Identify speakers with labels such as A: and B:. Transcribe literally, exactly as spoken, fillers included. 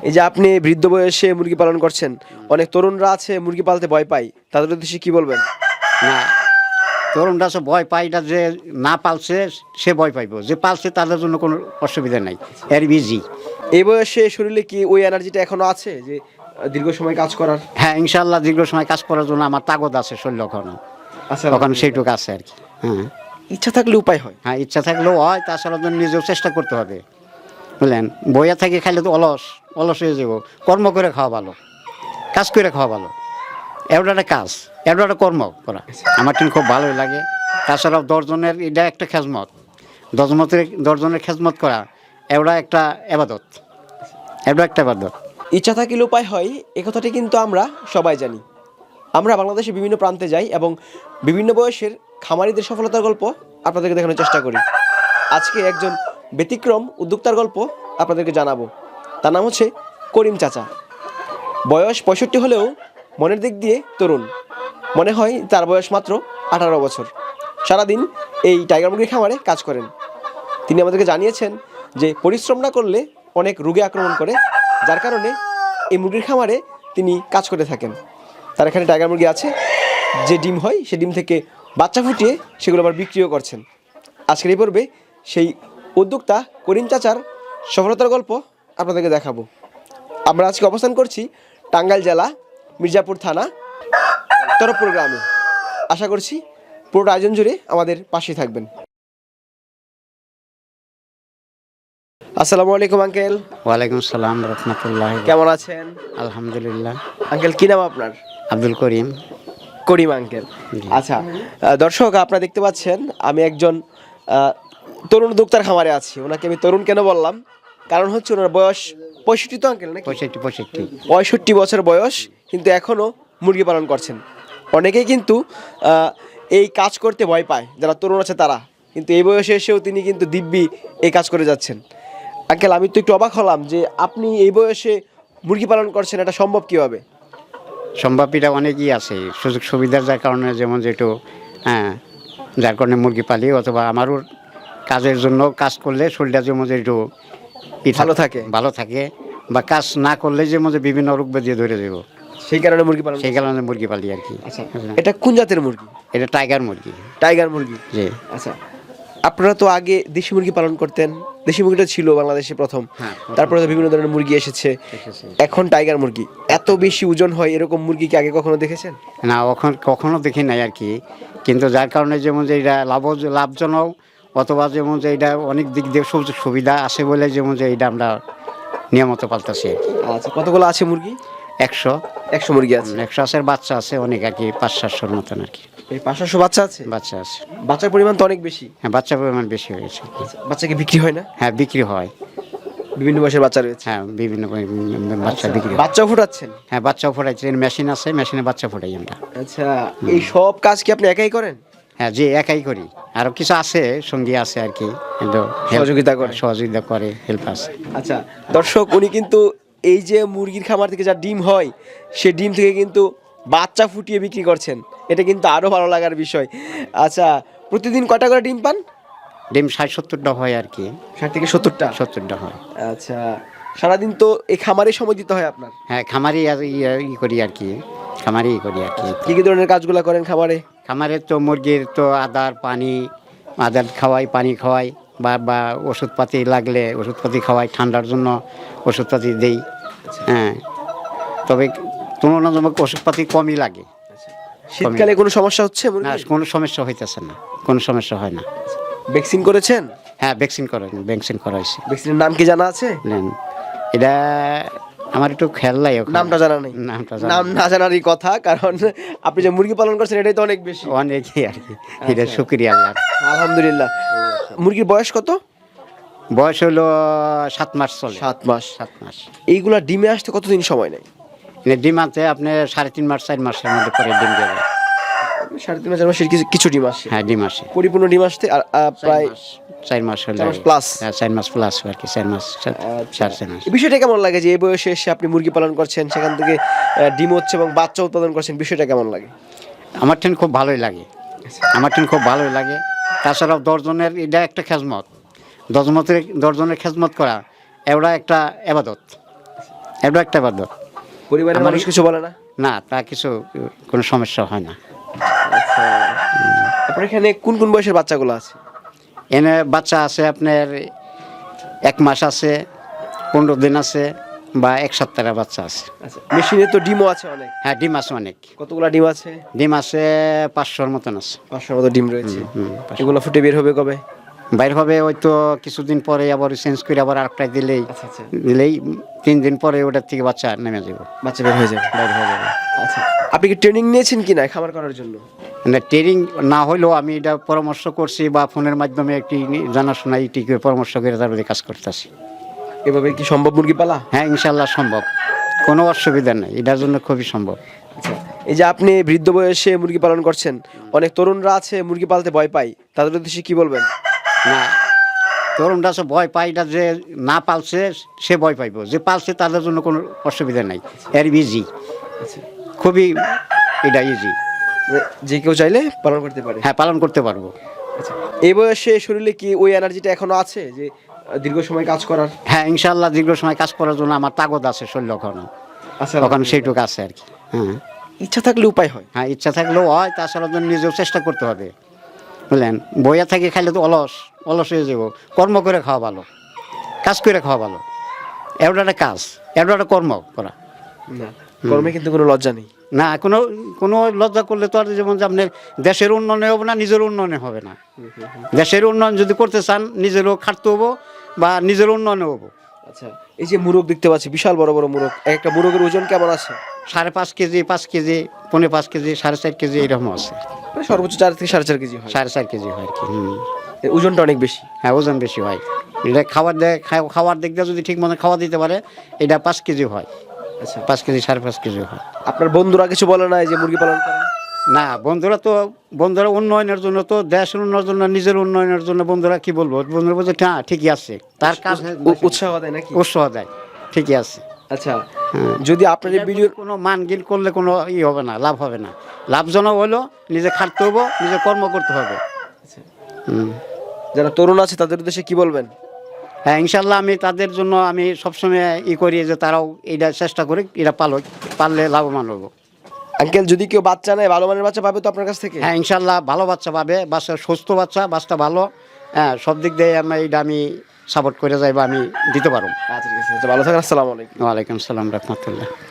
A: এই যে আপনি বৃদ্ধ বয়সে মুরগি পালন করছেন, অনেক তরুণরা আছে মুরগি পালতে ভয় পায়, তাদের উদ্দেশ্যে কি বলবেন?
B: না, তরুণরা সে ভয় পায় এটা, যে না পালছে সে ভয় পাইব, যে পালছে তাদের জন্য কোনো অসুবিধা নাই, এর বিজি।
A: এই বয়সে শরীরে কি ওই এনার্জিটা এখনো আছে যে আহ, দীর্ঘ সময় কাজ করার?
B: হ্যাঁ, ইনশাল্লাহ দীর্ঘ সময় কাজ করার জন্য আমার তাগদ আছে শরীর এখনো,
A: আচ্ছা,
B: ওখানে সেইটুকু আছে আর কি। হ্যাঁ
A: ইচ্ছা থাকলে উপায় হয়।
B: হ্যাঁ, ইচ্ছা থাকলেও হয়, তাছাড়া জন্য নিজেও চেষ্টা করতে হবে, বুঝলেন? বইয়া থেকে খাইলে তো অলস অলস হয়ে যাব। কর্ম করে খাওয়া ভালো, কাজ করে খাওয়া ভালো। এটা একটা কাজ, এটা একটা কর্ম করা আমার ঠিক খুব ভালোই লাগে। তাছাড়াও দশজনের এটা একটা খেজমত, দশমতের দশজনের খেজমত করা এটা একটা এবাদত, এটা একটা এবাদত।
A: ইচ্ছা থাকলে উপায় হয়, এ কথাটি কিন্তু আমরা সবাই জানি। আমরা বাংলাদেশের বিভিন্ন প্রান্তে যাই এবং বিভিন্ন বয়সের খামারিদের সফলতার গল্প আপনাদেরকে দেখানোর চেষ্টা করি। আজকে একজন ব্যতিক্রম উদ্যোক্তার গল্প আপনাদেরকে জানাবো। তার নাম হচ্ছে করিম চাচা। বয়স পঁয়ষট্টি হলেও মনের দিক দিয়ে তরুণ। মনে হয় তার বয়স মাত্র আঠারো বছর। সারাদিন এই টাইগার মুরগির খামারে কাজ করেন। তিনি আমাদেরকে জানিয়েছেন যে পরিশ্রম না করলে অনেক রোগে আক্রমণ করে, যার কারণে এই মুরগির খামারে তিনি কাজ করে থাকেন। তার এখানে টাইগার মুরগি আছে, যে ডিম হয় সে ডিম থেকে বাচ্চা ফুটিয়ে সেগুলো আবার বিক্রিও করছেন। আজকের এই পর্বে সেই উদ্যোক্তা করিম চাচার সফলতার গল্প আপনাদেরকে দেখাবো। আমরা আজকে অবস্থান করছি টাঙ্গাইল জেলা মির্জাপুর থানা তরফপুর গ্রামে। আশা করছি পুরোটা আয়োজন জুড়ে আমাদের পাশে থাকবেন। আসসালামু আলাইকুম আঙ্কেল।
B: ওয়ালাইকুম সালাম রহমতুল্লাহ।
A: কেমন আছেন?
B: আলহামদুলিল্লাহ।
A: আঙ্কেল কি নাম আপনার?
B: আব্দুল করিম।
A: করিম আঙ্কেল। আচ্ছা, আহ, দর্শক আপনারা দেখতে পাচ্ছেন আমি একজন আহ, তরুণ উদ্যোক্তার খামারে আছি। ওনাকে আমি তরুণ কেন বললাম, কারণ হচ্ছে ওনার বয়স পঁয়ষট্টি তো আঙ্কেল নাকি?
B: পঁয়ষট্টি পঁয়ষট্টি
A: পঁয়ষট্টি বছর বয়স, কিন্তু এখনও মুরগি পালন করছেন। অনেকেই কিন্তু আহ, এই কাজ করতে ভয় পায়, যারা তরুণ আছে তারা, কিন্তু এই বয়সে এসেও তিনি কিন্তু দিব্যি এই কাজ করে যাচ্ছেন। আঙ্কেল, আমি তো একটু অবাক হলাম যে আপনি এই বয়সে মুরগি পালন করছেন, এটা সম্ভব কীভাবে?
B: সম্ভাবীরা অনেকই আছে, সুযোগ সুবিধার যার কারণে, যেমন যেটু হ্যাঁ যার কারণে মুরগি পালি, অথবা আমারও কাজের জন্য কাজ করলে শরীরটা যেমন যে একটু
A: ভালো থাকে।
B: ভালো থাকে, বা কাজ না করলে যেমন যে বিভিন্ন রোগ ব্যাধি ধরে যাব,
A: সেই কারণে মুরগি পালন।
B: সেই কারণে মুরগি পালি আর কি।
A: আচ্ছা, এটা কোন জাতের মুরগি?
B: এটা টাইগার মুরগি।
A: টাইগার মুরগি,
B: জি।
A: আচ্ছা, আপনারা তো আগে দেশি মুরগি পালন করতেন। দেশি মুরগিটা ছিল বাংলাদেশে প্রথম,
B: হ্যাঁ,
A: তারপরে তো বিভিন্ন ধরনের মুরগি এসেছে, এখন টাইগার মুরগি। এত বেশি ওজন হয় এরকম মুরগি কি আগে কখনো দেখেছেন?
B: না, কখন কখনো দেখি নাই আর কি। কিন্তু যার কারণে যেমন যে এটা লাভ লাভজনক, অথবা যেমন যে এটা অনেক দিক দিয়ে সুযোগ সুবিধা আছে বলে যেমন যে এটা আমরা নিয়মিত পালতেছি।
A: আচ্ছা, কতগুলো আছে মুরগি?
B: একশো
A: একশো মুরগি আছে।
B: একশো আছে, বাচ্চা আছে অনেক আর কি, পাঁচ সাতশোর মতন আর কি
A: এই পাঁচশো বাচ্চা আছে?
B: বাচ্চা আছে।
A: বাচ্চার পরিমাণ তো অনেক বেশি।
B: হ্যাঁ, বাচ্চার পরিমাণ বেশি হয়েছে।
A: বাচ্চাকে বিক্রি হয় না?
B: হ্যাঁ, বিক্রি হয়।
A: বিভিন্ন বয়সের বাচ্চা রয়েছে।
B: হ্যাঁ, বিভিন্ন বাচ্চা বিক্রি হয়।
A: বাচ্চাও ফুটাচ্ছেন?
B: হ্যাঁ, বাচ্চাও ফোটাইছে, মেশিন আছে, মেশিনে বাচ্চা ফোটাই আমরা।
A: আচ্ছা, এই সব কাজ কি আপনি একাই করেন?
B: হ্যাঁ, যে একাই করি, আরও কিছু আছে সঙ্গী আছে আর কি, কিন্তু
A: সহযোগিতা করে?
B: সহযোগিতা করে, হেল্প আছে।
A: আচ্ছা দর্শক, উনি কিন্তু এই যে মুরগির খামার থেকে যা ডিম হয় সে ডিম থেকে কিন্তু বাচ্চা ফুটিয়ে বিক্রি করছেন। এটা কিন্তু আরও ভালো লাগার বিষয়। আচ্ছা, প্রতিদিন কয়টা করে ডিম পান?
B: ডিম ষাট সত্তরটা হয় আর কি।
A: ষাট থেকে সত্তরটা?
B: সত্তরটা হয়।
A: আচ্ছা, সারাদিন তো এই খামারে সময় দিতে হয় আপনার?
B: হ্যাঁ, খামারি আর ইয়ে- ই করি আর কি, খামারি করি আর কি।
A: কী কী ধরনের কাজগুলো করেন খামারে?
B: খামারের তো মুরগির তো আদার পানি, আদার খাওয়াই, পানি খাওয়াই, বা বা ওষুধপাতি লাগলে ওষুধপাতি খাওয়াই, ঠান্ডার জন্য ওষুধপাতি দেই। হ্যাঁ, তবে তুলনামূলক ওষুধপাতি কমই লাগে।
A: শীতকালে কোনো সমস্যা হচ্ছে
B: না,
A: মুরগির?
B: কোনো সমস্যা হইতেছে না, কোনো সমস্যা হয় না।
A: ভ্যাকসিন করেছেন?
B: হ্যাঁ, ভ্যাকসিন করা ভ্যাকসিন করা হয়েছে।
A: ভ্যাকসিনের নাম কি জানা আছে?
B: নেন, এটা আমার একটু খেয়াল নাই ওখানে।
A: নামটা জানা নেই?
B: নামটা জানা
A: নাম না জানারই কথা, কারণ আপনি যে মুরগি পালন করছেন এটাই তো অনেক বেশি।
B: অনেকই আর কি, এটা শুক্রিয়া আল্লাহর।
A: আলহামদুলিল্লাহ। মুরগির বয়স কত?
B: বয়স হলো সাত মাস চলে।
A: সাত মাস।
B: সাত মাস।
A: এইগুলা ডিমে আসতে কতদিন সময় নেয়?
B: মানে ডিম আছে আপনার সাড়ে তিন মাস চার মাসের মধ্যে পরে ডিম দেবে।
A: সাড়ে তিন মাসের মাসের কিছু কিছু ডিম আসে?
B: হ্যাঁ, ডিম আসে।
A: পরিপূর্ণ ডিম আসতে আর আহ, প্রায়
B: চার মাস হলে
A: চার মাস plus?
B: হ্যাঁ, চার মাস প্লাস আর কি, চার মাস চার চার চার মাস।
A: এই বিষয়টা কেমন লাগে যে এই বয়সে এসে আপনি মুরগি পালন করছেন, সেখান থেকে আহ, ডিম হচ্ছে এবং বাচ্চা উৎপাদন করছেন, বিষয়টা কেমন লাগে?
B: আমার টেন খুব ভালোই লাগে, আমার টেন খুব ভালোই লাগে। তাছাড়াও দশজনের এটা একটা খেজমত, দশমতের দশজনের খেজমত করা এটা একটা এবাদত, এটা একটা বাদ।
A: পরিবারের
B: আমার-
A: মানুষ কিছু বলে না?
B: না, তা কিছু কোনো সমস্যা হয় না।
A: আচ্ছা, আপনার এখানে কোন কোন বয়সের বাচ্চাগুলো আছে?
B: এনে বাচ্চা আছে আপনার এক মাস আছে, পনেরো দিন আছে, বা এক সপ্তাহের বাচ্চা আছে।
A: আচ্ছা, মেশিনে তো ডিমও আছে অনেক।
B: হ্যাঁ, ডিম আছে অনেক।
A: কতগুলা ডিম আছে?
B: ডিম আছে পাঁচশোর মতন আছে।
A: পাঁচশোর মতো ডিম রয়েছে।
B: হুম, পাঁচশো।
A: এগুলো ফুটে বের হবে কবে?
B: বাইর হবে ওই তো কিছুদিন পরে, আবার চেঞ্জ করে আবার আরেকটা দিলেই
A: আচ্ছা আচ্ছা,
B: দিলেই তিন দিন পরে ওটার থেকে বাচ্চা নেমে যাব,
A: বাচ্চা বের হয়ে যাবে।
B: বাইর হয়ে যাবে।
A: আচ্ছা, আপনি কি ট্রেনিং নিয়েছেন কি না খামার করার জন্য?
B: মানে ট্রেনিং না হলেও আমি এটা পরামর্শ করছি, বা ফোনের মাধ্যমে একটি জানাশোনা ইটি করে পরামর্শ করে তারপরে কাজ করতেছি।
A: এভাবে কি সম্ভব মুরগি পালা?
B: হ্যাঁ, ইনশাল্লাহ সম্ভব, কোনো অসুবিধা নেই, এটার জন্য খুবই সম্ভব।
A: আচ্ছা, এই যে আপনি বৃদ্ধ বয়সে মুরগি পালন করছেন, অনেক তরুণরা আছে মুরগি পালতে ভয় পায়, তাদের উদ্দেশ্যে কি বলবেন?
B: না, তরুণরা সে ভয় পায়, এটা যে না পালছে সে ভয় পাইব, যে পালছে তাদের জন্য কোনো অসুবিধা নাই, এর ইজি,
A: আচ্ছা,
B: খুবই এটা ইজি।
A: মানে যে কেউ চাইলে পালন করতে পারে।
B: হ্যাঁ, পালন করতে পারবো।
A: আচ্ছা, এই বয়সে শরীরে কি ওই এনার্জিটা এখনো আছে যে আহ, দীর্ঘ সময় কাজ করার?
B: হ্যাঁ, ইনশাল্লাহ দীর্ঘ সময় কাজ করার জন্য আমার তাগদ আছে শরীর, ওখানে
A: আচ্ছা,
B: ওখানে সেইটুকু আছে আর কি। হ্যাঁ
A: ইচ্ছা থাকলে উপায় হয়।
B: হ্যাঁ, ইচ্ছা থাকলেও হয়, তাছাড়া তো নিজেও চেষ্টা করতে হবে, বুঝলেন। বইয়া থেকে খাইলে তো অলস অলস হয়ে যাব, কর্ম করে খাওয়া ভালো, কাজ করে খাওয়া ভালো। এটা একটা কাজ, এটা একটা কর্ম করা।
A: না, কর্মে কিন্তু কোনো লজ্জা নেই।
B: না, কোনো কোনো লজ্জা করলে তো আর যেমন যে আপনার দেশের উন্নয়ন হবে না, নিজের উন্নয়ন হবে না। দেশের উন্নয়ন যদি করতে চান, নিজেরও খাটতে হবো, বা নিজের উন্নয়ন হবো।
A: আচ্ছা, এই যে মুরগ দেখতে পাচ্ছি, বিশাল বড় বড় মুরগ, এক একটা মুরগের ওজন কেমন আছে?
B: সাড়ে পাঁচ কেজি, পাঁচ কেজি, পৌনে পাঁচ কেজি, সাড়ে চার কেজি এরকম আছে।
A: মানে সর্বোচ্চ চার থেকে সাড়ে চার কেজি হয়।
B: সাড়ে চার কেজি হয় আর কি। হুম।
A: এর ওজনটা অনেক বেশি।
B: হ্যাঁ, ওজন বেশি হয়। এটা খাবার দেয়, খাওয়া- খাওয়ার দিক দিয়ে যদি ঠিক মতো খাওয়া দিতে পারে, এটা পাঁচ কেজি হয়,
A: আচ্ছা,
B: পাঁচ কেজি সাড়ে পাঁচ কেজি হয়।
A: আপনার বন্ধুরা কিছু বলে না এই যে মুরগি পালন করেন?
B: না, বন্ধুরা তো বন্ধুরা উন্নয়নের জন্য, তো দেশের উন্নয়নের জন্য, নিজের উন্নয়নের জন্য বন্ধুরা কি বলবো, বন্ধুরা বলছে হ্যাঁ ঠিকই আছে, তার কাজ
A: উ- উৎসাহ দেয় নাকি?
B: উৎসাহ দেয়, ঠিকই আছে।
A: আচ্ছা,
B: হ্যাঁ।
A: যদি আপনার এই ভিডিও
B: কোনো মানগিল করলে কোনো ই হবে না, লাভ হবে না। লাভজনক হলো নিজে খাটতে হবো, নিজে কর্ম করতে হবে।
A: আচ্ছা,
B: হুম।
A: যারা তরুণ আছে তাদের উদ্দেশ্যে কি বলবেন?
B: হ্যাঁ, ইনশাল্লাহ আমি তাদের জন্য আমি সবসময় ই করি যে তারাও এটা চেষ্টা করে, এটা পালো, পারলে লাভবান হবো।
A: আঙ্কেল, যদি কেউ বাচ্চা নেয় ভালো মানের বাচ্চা পাবে তো আপনার কাছ থেকে?
B: হ্যাঁ, ইনশাল্লাহ ভালো বাচ্চা পাবে, বাচ্চা সুস্থ বাচ্চা, বাচ্চা ভালো। হ্যাঁ, সব দিক দিয়ে আমি এটা আমি সাপোর্ট করে যাইবা, আমি দিতে পারবো।
A: আচ্ছা, ঠিক আছে। আচ্ছা, ভালো থাকেন। আসসালামু আলাইকুম।
B: ওয়ালাইকুম সালাম রহমতুল্লাহ।